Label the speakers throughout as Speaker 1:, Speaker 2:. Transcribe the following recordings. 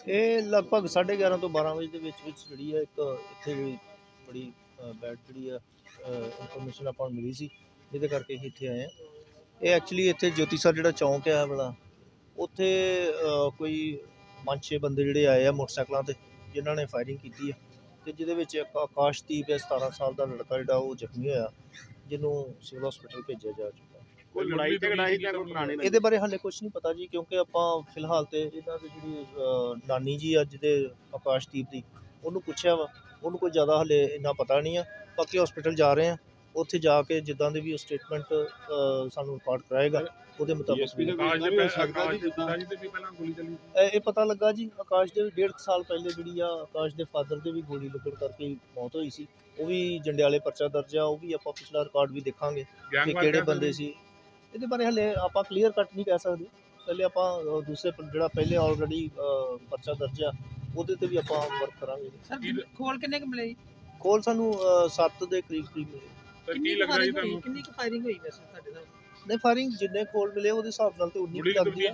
Speaker 1: ਇਹ ਲਗਭਗ 11:30 ਤੋਂ 12 ਵਜੇ ਦੇ ਵਿੱਚ ਜਿਹੜੀ ਹੈ ਇੱਕ ਇੱਥੇ ਜਿਹੜੀ ਬੜੀ ਬੈਡ ਜਿਹੜੀ ਆ ਇਨਫੋਰਮੇਸ਼ਨ ਆਪਾਂ ਨੂੰ ਮਿਲੀ ਸੀ, ਜਿਹਦੇ ਕਰਕੇ ਅਸੀਂ ਇੱਥੇ ਆਏ ਹਾਂ। ਇਹ ਐਕਚੁਅਲੀ ਇੱਥੇ ਜੋਤੀ ਸਰ ਜਿਹੜਾ ਚੌਂਕ ਹੈ ਵਾਲਾ, ਉੱਥੇ ਕੋਈ 5-6 ਬੰਦੇ ਜਿਹੜੇ ਆਏ ਆ ਮੋਟਰਸਾਈਕਲਾਂ 'ਤੇ, ਜਿਨ੍ਹਾਂ ਨੇ ਫਾਇਰਿੰਗ ਕੀਤੀ ਹੈ ਅਤੇ ਜਿਹਦੇ ਵਿੱਚ ਇੱਕ ਆਕਾਸ਼ਦੀਪ ਹੈ 17 ਸਾਲ ਦਾ ਲੜਕਾ ਜਿਹੜਾ ਉਹ ਜ਼ਖਮੀ ਹੋਇਆ, ਜਿਹਨੂੰ ਸਿਵਲ ਹਸਪੀਟਲ ਭੇਜਿਆ ਜਾ ਚੁੱਕਾ।
Speaker 2: ਕੋਈ ਲੜਾਈ ਝਗੜਾ ਸੀ ਜਾਂ ਕੋਈ ਪੁਰਾਣੀ
Speaker 1: ਇਹਦੇ ਬਾਰੇ ਹਾਲੇ ਕੁਝ ਨਹੀਂ ਪਤਾ ਜੀ, ਕਿਉਂਕਿ ਆਪਾਂ ਫਿਲਹਾਲ ਤੇ ਇਹਨਾਂ ਦੀ ਜਿਹੜੀ ਨਾਨੀ ਜੀ ਅੱਜ ਦੇ ਆਕਾਸ਼ਦੀਪ ਦੀ, ਉਹਨੂੰ ਪੁੱਛਿਆ ਵਾ, ਉਹਨੂੰ ਕੋਈ ਜ਼ਿਆਦਾ ਹਾਲੇ ਇੰਨਾ ਪਤਾ ਨਹੀਂ ਆ। ਬਾਕੀ ਹਸਪੀਟਲ ਜਾ ਰਹੇ ਆ, ਉੱਥੇ ਜਾ ਕੇ ਜਿੱਦਾਂ ਦੇ ਵੀ ਉਹ ਸਟੇਟਮੈਂਟ ਸਾਨੂੰ ਰਿਕਾਰਡ ਕਰਾਏਗਾ ਉਹਦੇ ਮੁਤਾਬਕ ਇਹ ਪਤਾ ਲੱਗਾ ਜੀ। ਆਕਾਸ਼ ਦੇ 1.5 ਸਾਲ ਪਹਿਲੇ ਜਿਹੜੀ ਆ ਆਕਾਸ਼ ਦੇ ਫਾਦਰ ਦੇ ਵੀ ਗੋਲੀ ਲੱਗਣ ਕਰਕੇ ਮੌਤ ਹੋਈ ਸੀ, ਉਹ ਵੀ ਜੰਡਿਆਲੇ ਪਰਚਾ ਦਰਜ ਆ। ਉਹ ਵੀ ਆਪਾਂ ਪਿਛਲਾ ਰਿਕਾਰਡ ਵੀ ਦੇਖਾਂਗੇ ਕਿ ਕਿਹੜੇ ਬੰਦੇ ਸੀ। ਇਹਦੇ ਬਾਰੇ ਹਲੇ ਆਪਾਂ ਕਲੀਅਰ ਕੱਟ ਨਹੀਂ ਕਹਿ ਸਕਦੇ। ਪਹਿਲੇ ਆਪਾਂ ਦੂਸਰੇ ਜਿਹੜਾ ਪਹਿਲੇ ਆਲਰੇਡੀ ਪਰਚਾ ਦਰਜ ਆ ਉਹਦੇ ਤੇ ਵੀ ਆਪਾਂ ਵਰਕ ਕਰਾਂਗੇ।
Speaker 3: ਖੋਲ ਕਿੰਨੇ ਕੁ ਮਿਲੇ ਜੀ?
Speaker 1: ਖੋਲ ਸਾਨੂੰ 7 ਦੇ ਕਰੀਬ ਮਿਲੇ।
Speaker 3: ਕਿੰਨੀ ਕੁ ਫਾਇਰਿੰਗ ਹੋਈ ਵੈਸੇ ਤੁਹਾਡੇ ਨਾਲ?
Speaker 1: ਨਹੀਂ, ਫਾਇਰਿੰਗ ਜਿੰਨੇ ਖੋਲ ਮਿਲੇ ਉਹਦੇ ਹਿਸਾਬ ਨਾਲ ਤੇ ਉਨੀ ਲੱਗਦੀ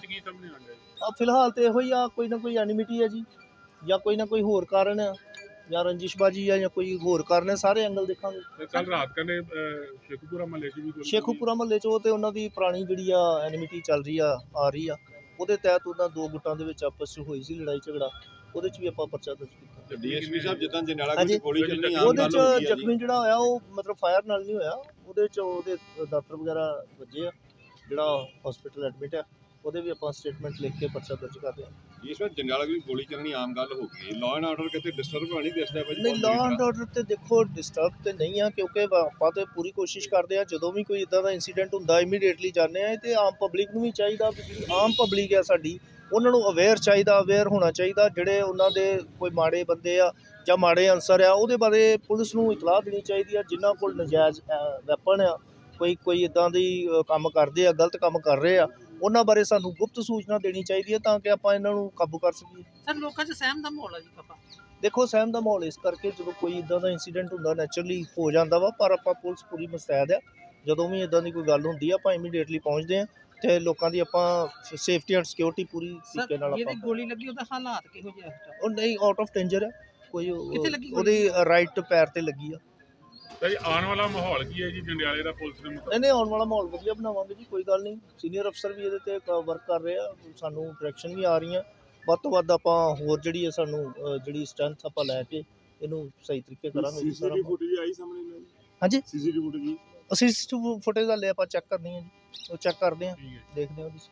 Speaker 1: ਆ। ਫਿਲਹਾਲ ਤੇ ਇਹੋ ਹੀ ਆ, ਕੋਈ ਨਾ ਕੋਈ ਐਨਿਮਿਟੀ ਹੈ ਜੀ, ਜਾਂ ਕੋਈ ਨਾ ਕੋਈ ਹੋਰ ਕਾਰਨ ਆ, ਜਾਂ ਰੰਜਿਸ਼ਬਾਜੀ ਆ, ਜਾਂ ਕੋਈ ਹੋਰ ਕਾਰਨ ਹੈ। ਸਾਰੇ ਐਂਗਲ ਦੇਖਾਂਗੇ।
Speaker 2: ਕੱਲ ਰਾਤ ਕਹਿੰਦੇ ਸ਼ੇਖੂਪੁਰਾ ਮਹੱਲੇ 'ਚ ਵੀ
Speaker 1: ਸ਼ੇਖੂਪੁਰਾ ਮਹੱਲੇ 'ਚ ਉਹ ਤੇ ਉਹਨਾਂ ਦੀ ਪੁਰਾਣੀ ਜਿਹੜੀ ਆ ਐਨਿਮਿਟੀ ਚੱਲ ਰਹੀ ਆ ਰਹੀ ਆ, ਉਹਦੇ ਤਹਿਤ ਉਹਨਾਂ ਦੋ ਗੁੱਟਾਂ ਦੇ ਵਿੱਚ ਆਪਸ 'ਚ ਹੋਈ ਸੀ ਲੜਾਈ ਝਗੜਾ, ਉਹਦੇ 'ਚ ਵੀ ਆਪਾਂ ਪਰਚਾ ਦਰਜ ਕੀਤਾ।
Speaker 2: ਡੀਐਸਪੀ ਸਾਹਿਬ ਜਿੱਦਾਂ ਜੰਡਿਆਲਾ ਵਿੱਚ ਗੋਲੀ ਚੱਲਣੀ ਆਮ
Speaker 1: ਉਹਦੇ
Speaker 2: ਗੱਲ
Speaker 1: 'ਚ
Speaker 2: ਹੋ ਗਈ ਹੈ
Speaker 1: ਜ਼ਖਮੀ ਜਿਹੜਾ ਹੋਇਆ ਉਹ ਮਤਲਬ ਫਾਇਰ ਨਾਲ ਨਹੀਂ ਹੋਇਆ, ਉਹਦੇ 'ਚ ਉਹਦੇ ਦਾਤਰ ਵਗੈਰਾ ਵੱਜੇ ਆ, ਜਿਹੜਾ ਹਸਪੀਟਲ ਐਡਮਿਟ ਆ, ਉਹਦੇ ਵੀ ਆਪਾਂ ਸਟੇਟਮੈਂਟ ਲਿਖ ਕੇ ਪਰਚਾ ਦਰਜ ਕਰਦੇ ਹਾਂ।
Speaker 2: ਇਸ ਵਾਰ ਜੰਡਿਆਲਾ ਵਿੱਚ ਗੋਲੀ ਚੱਲਣੀ ਆਮ ਗੱਲ ਹੋ ਗਈ। ਲਾਅ ਐਂਡ ਆਰਡਰ ਕਿਤੇ ਡਿਸਟਰਬ ਹੋਣੀ ਦਿਸਦਾ ਭਾਜੀ?
Speaker 1: ਨਹੀਂ, ਲਾਅ ਐਂਡ ਆਰਡਰ ਤੇ ਦੇਖੋ ਡਿਸਟਰਬ ਤੇ ਨਹੀਂ ਆ, ਕਿਉਂਕਿ ਆਪਾਂ ਤੇ ਪੂਰੀ ਕੋਸ਼ਿਸ਼ ਕਰਦੇ ਆ ਜਦੋਂ ਵੀ ਕੋਈ ਇਦਾਂ ਦਾ ਇਨਸੀਡੈਂਟ ਹੁੰਦਾ ਇਮੀਡੀਏਟਲੀ ਜਾਂਦੇ ਆ। ਤੇ ਆਮ ਪਬਲਿਕ ਨੂੰ ਵੀ ਚਾਹੀਦਾ, ਜਿਹੜੀ ਆਮ ਪਬਲਿਕ ਆ ਸਾਡੀ, ਉਹਨਾਂ ਨੂੰ ਅਵੇਅਰ ਹੋਣਾ ਚਾਹੀਦਾ। ਜਿਹੜੇ ਉਹਨਾਂ ਦੇ ਕੋਈ ਮਾੜੇ ਬੰਦੇ ਆ ਜਾਂ ਮਾੜੇ ਅਨਸਰ ਆ, ਉਹਦੇ ਬਾਰੇ ਪੁਲਿਸ ਨੂੰ ਇਤਲਾਹ ਦੇਣੀ ਚਾਹੀਦੀ ਆ। ਜਿਨ੍ਹਾਂ ਕੋਲ ਨਜਾਇਜ਼ ਵੈਪਨ ਆ, ਕੋਈ ਇੱਦਾਂ ਦੀ ਕੰਮ ਕਰਦੇ ਆ, ਗਲਤ ਕੰਮ ਕਰ ਰਹੇ ਆ, ਉਹਨਾਂ ਬਾਰੇ ਸਾਨੂੰ ਗੁਪਤ ਸੂਚਨਾ ਦੇਣੀ ਚਾਹੀਦੀ ਹੈ, ਤਾਂ ਕਿ ਆਪਾਂ ਇਹਨਾਂ ਨੂੰ ਕਾਬੂ ਕਰ ਸਕੀਏ।
Speaker 3: ਸਰ ਲੋਕਾਂ 'ਚ ਸਹਿਮ ਦਾ ਮਾਹੌਲ ਆ ਜੀ ਕਾਫਾ?
Speaker 1: ਦੇਖੋ, ਸਹਿਮ ਦਾ ਮਾਹੌਲ ਇਸ ਕਰਕੇ ਜਦੋਂ ਕੋਈ ਇਦਾਂ ਦਾ ਇਨਸੀਡੈਂਟ ਹੁੰਦਾ ਨੈਚੁਰਲੀ ਹੋ ਜਾਂਦਾ ਵਾ, ਪਰ ਆਪਾਂ ਪੁਲਿਸ ਪੂਰੀ ਮੁਸਤੈਦ ਆ। ਜਦੋਂ ਵੀ ਇਦਾਂ ਦੀ ਕੋਈ ਗੱਲ ਹੁੰਦੀ ਆ ਆਪਾਂ ਇਮੀਡੀਏਟਲੀ ਪਹੁੰਚਦੇ ਆ ਤੇ ਲੋਕਾਂ ਦੀ ਆਪਾਂ ਸੇਫਟੀ ਐਂਡ ਸਿਕਿਉਰਿਟੀ ਪੂਰੀ ਤਰੀਕੇ ਨਾਲ
Speaker 3: ਆਪਾਂ। ਗੋਲੀ ਲੱਗੀ ਉਹਦਾ ਹਾਲਾਤ ਕਿਹੋ ਜਿਹਾ?
Speaker 1: ਉਹ ਨਹੀਂ, ਆਊਟ ਆਫ ਡੇਂਜਰ ਹੈ ਕੋਈ।
Speaker 3: ਕਿੱਥੇ ਲੱਗੀ?
Speaker 1: ਉਹਦੀ ਰਾਈਟ ਪੈਰ ਤੇ ਲੱਗੀ ਆ।
Speaker 2: ਭਾਈ ਆਉਣ ਵਾਲਾ ਮਾਹੌਲ ਕੀ ਹੈ ਜੀ ਜੰਡਿਆਲੇ ਦਾ ਪੁਲਿਸ ਦੇ ਮੁਤਾਬਕ?
Speaker 1: ਨਹੀਂ, ਆਉਣ ਵਾਲਾ ਮਾਹੌਲ ਵਧੀਆ ਬਣਾਵਾਂਗੇ ਜੀ, ਕੋਈ ਗੱਲ ਨਹੀਂ। ਸੀਨੀਅਰ ਅਫਸਰ ਵੀ ਇਹਦੇ ਤੇ ਵਰਕ ਕਰ ਰਹੇ ਆ, ਸਾਨੂੰ ਡਾਇਰੈਕਸ਼ਨ ਵੀ ਆ ਰਹੀਆਂ। ਵੱਧ ਤੋਂ ਵੱਧ ਆਪਾਂ ਹੋਰ ਜਿਹੜੀ ਹੈ ਸਾਨੂੰ ਜਿਹੜੀ ਸਟਰੈਂਥ ਆਪਾਂ ਲੈ ਕੇ ਇਹਨੂੰ ਸਹੀ ਤਰੀਕੇ ਕਰਾਂਗੇ।
Speaker 2: ਸੀਸੀਟੀਵੀ ਫੁਟੇਜ ਆਈ ਸਾਹਮਣੇ?
Speaker 1: ਹਾਂਜੀ,
Speaker 2: ਸੀਸੀਟੀਵੀ ਫੁਟੇਜ
Speaker 1: ਅਸੀਂ ਫੁਟੇਜ ਵਾਲੇ ਆਪਾਂ ਚੈੱਕ ਕਰਨੀ ਹੈ ਜੀ, ਉਹ ਚੈੱਕ ਕਰਦੇ ਹਾਂ, देखते हैं ਉਹਦੀ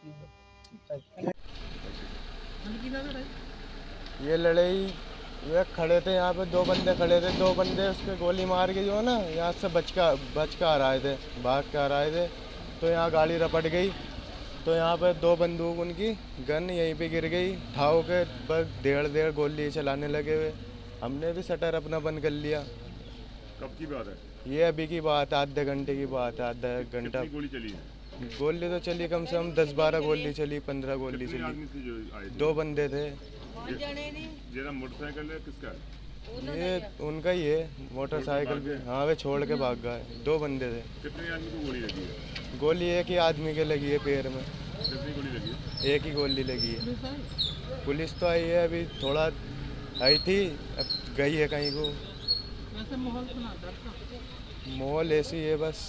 Speaker 1: ਸਕਰੀਨ।
Speaker 4: ये लड़ाई ये खड़े थे यहाँ पे, 2 बंदे खड़े थे, 2 बंदे उसके गोली मार के जो है ना यहाँ से बच के आ रहे थे, भाग के आ रहे थे। तो यहाँ गाड़ी रपट गई, तो यहाँ पे 2 बंदूक उनकी गन यहीं पे गिर गई। ठाव के बस 1.5 गोली चलाने लगे हुए। हमने भी शटर अपना बंद कर लिया।
Speaker 2: कब की बात है
Speaker 4: ये? अभी की बात है, आधे घंटे की बात है, आधा घंटा।
Speaker 2: गोली चली है?
Speaker 4: गोली तो चली कम से कम 10-12 गोली चली, 15 गोली चली। 2 बंदे थे।
Speaker 2: जेरा मोटरसाइकिल है किसका है?
Speaker 4: ये उनका ही है, मोटरसाइकिल भी। हाँ, वे छोड़ के भाग गए। 2 बंदे थे।
Speaker 2: कितने आदमी को गोली लगी है?
Speaker 4: गोली एक ही आदमी के लगी है पैर में।
Speaker 2: कितनी गोली लगी है?
Speaker 4: एक ही गोली लगी है। पुलिस तो आई है, अभी थोड़ा आई थी, अब गई है कहीं को। माहौल ऐसी है बस।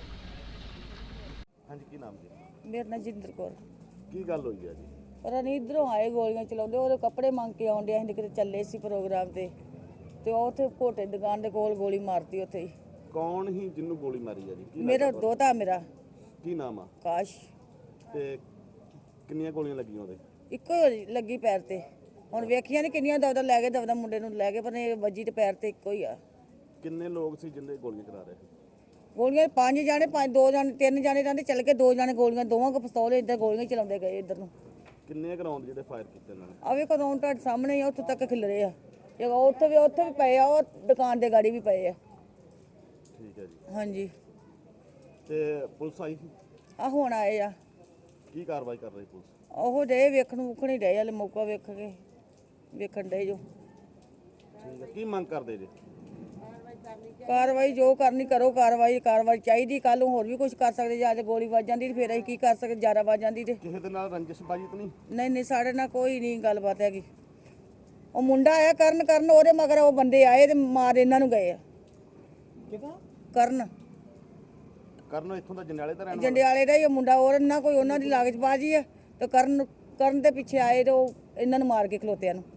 Speaker 2: हाँ जी, की नाम जी?
Speaker 5: मेरा नाम जिंदर कौर।
Speaker 2: की गल हुई है जी?
Speaker 5: ਪਤਾ ਨਹੀਂ ਇੱਧਰੋਂ ਆਏ ਗੋਲੀਆਂ ਚਲਾਉਂਦੇ, ਉਹਦੇ ਕੱਪੜੇ ਮੰਗ ਕੇ ਆਉਣ ਡਿਆ। ਅਸੀਂ ਕਿਤੇ ਚੱਲੇ ਸੀ ਪ੍ਰੋਗਰਾਮ ਤੇ ਉਹ ਉੱਥੇ ਘੋਟੇ ਦੁਕਾਨ ਦੇ ਕੋਲ ਗੋਲੀ ਮਾਰਤੀ ਉੱਥੇ ਹੀ।
Speaker 2: ਕੌਣ ਹੀ ਜਿਹਨੂੰ ਗੋਲੀ ਮਾਰੀ ਹੈ ਜੀ?
Speaker 5: ਮੇਰਾ ਦੋਤਾ, ਮੇਰਾ
Speaker 2: ਕੀ ਨਾਮ ਆ?
Speaker 5: ਕਾਸ਼।
Speaker 2: ਤੇ ਕਿੰਨੀਆਂ ਗੋਲੀਆਂ ਲੱਗੀਆਂ ਉਹਦੇ?
Speaker 5: ਇੱਕੋ ਲੱਗੀ ਪੈਰ ਤੇ। ਹੁਣ ਵੇਖੀਆਂ ਨਹੀਂ ਕਿੰਨੀਆਂ ਦਵਦਾ ਲੈ ਗਏ, ਦਵਦਾ ਮੁੰਡੇ ਨੂੰ ਲੈ ਗਏ, ਪਰ ਇਹ ਵੱਜੀ ਤੇ ਪੈਰ ਤੇ ਇੱਕੋ ਹੀ ਆ।
Speaker 2: ਕਿੰਨੇ ਲੋਕ ਸੀ ਜਿੰਦੇ ਗੋਲੀਆਂ ਚਲਾ ਰਹੇ?
Speaker 5: ਗੋਲੀਆਂ 5 ਜਾਣੇ, 2 ਜਾਣੇ, 3 ਜਾਣੇ ਰਹਿੰਦੇ ਚੱਲ ਕੇ, 2 ਜਾਣੇ ਗੋਲੀਆਂ, ਦੋਵਾਂ ਕੋ ਪਿਸਤੌਲ ਇੱਧਰ ਗੋਲੀਆਂ ਚਲਾਉਂਦੇ ਗਏ ਇੱਧਰ ਨੂੰ।
Speaker 2: ਕਿੰਨੇ ਗਰਾਊਂਡ ਜਿਹੜੇ ਫਾਇਰ ਕੀਤੇ ਇਹਨਾਂ ਨੇ?
Speaker 5: ਆਵੇ ਕਦੋਂ ਤੁਹਾਡੇ ਸਾਹਮਣੇ ਹੀ ਆ, ਉੱਥੋਂ ਤੱਕ ਖਿਲਰੇ ਆ। ਉੱਥੇ ਵੀ ਪਏ ਆ, ਉਹ ਦੁਕਾਨ ਦੇ ਗਾੜੀ ਵੀ ਪਏ ਆ।
Speaker 2: ਠੀਕ ਹੈ ਜੀ।
Speaker 5: ਹਾਂਜੀ।
Speaker 2: ਤੇ ਪੁਲਿਸ ਆਈ ਸੀ?
Speaker 5: ਆ ਹੁਣ ਆਏ ਆ।
Speaker 2: ਕੀ ਕਾਰਵਾਈ ਕਰ ਰਹੀ ਪੁਲਿਸ?
Speaker 5: ਉਹ ਡੇ ਵੇਖਣ ਹੀ ਡੇ, ਹਲੇ ਮੌਕਾ ਵੇਖਣ ਡੇ ਜੋ।
Speaker 2: ਠੀਕ ਹੈ, ਕੀ ਮੰਗ ਕਰਦੇ ਜੀ?
Speaker 5: ਕਾਰਵਾਈ ਜੋ ਕਰਨੀ ਕਰੋ, ਕਾਰਵਾਈ ਚਾਹੀਦੀ। ਕੱਲ ਨੂੰ ਹੋਰ ਵੀ ਕੁਝ ਕਰ ਸਕਦੇ, ਜਾਂ ਤੇ ਗੋਲੀ ਵੱਜ ਜਾਂਦੀ ਤੇ ਫਿਰ ਅਸੀਂ ਕੀ ਕਰ ਸਕਦੇ, ਜ਼ਿਆਦਾ ਵੱਜ ਜਾਂਦੀ ਤੇ।
Speaker 2: ਕਿਸੇ ਦੇ ਨਾਲ ਰੰਜਿਸ਼ਬਾਜੀ ਤਾਂ ਨਹੀਂ?
Speaker 5: ਨਹੀਂ, ਸਾਡੇ ਨਾਲ ਕੋਈ ਨਹੀਂ ਗੱਲਬਾਤ ਹੈਗੀ। ਉਹ ਮੁੰਡਾ ਆਇਆ ਕਰਨ ਉਹਦੇ ਮਗਰ ਉਹ ਬੰਦੇ ਆਏ ਤੇ ਮਾਰ ਇਹਨਾਂ ਨੂੰ ਗਏ ਆ। ਕਰਨ
Speaker 6: ਇੱਥੋਂ ਦਾ ਜੰਡਿਆਲੇ ਦਾ
Speaker 5: ਜੰਡਿਆਲੇ ਦਾ ਹੀ ਉਹ ਮੁੰਡਾ, ਉਹਨਾਂ ਕੋਈ ਉਹਨਾਂ ਦੀ ਲਾਗਚਬਾਜ਼ੀ ਆ ਤੇ ਕਰਨ ਦੇ ਪਿੱਛੇ ਆਏ ਤੇ ਉਹ ਇਹਨਾਂ ਨੂੰ ਮਾਰ ਕੇ ਖਲੋਤਿਆਂ ਨੂੰ।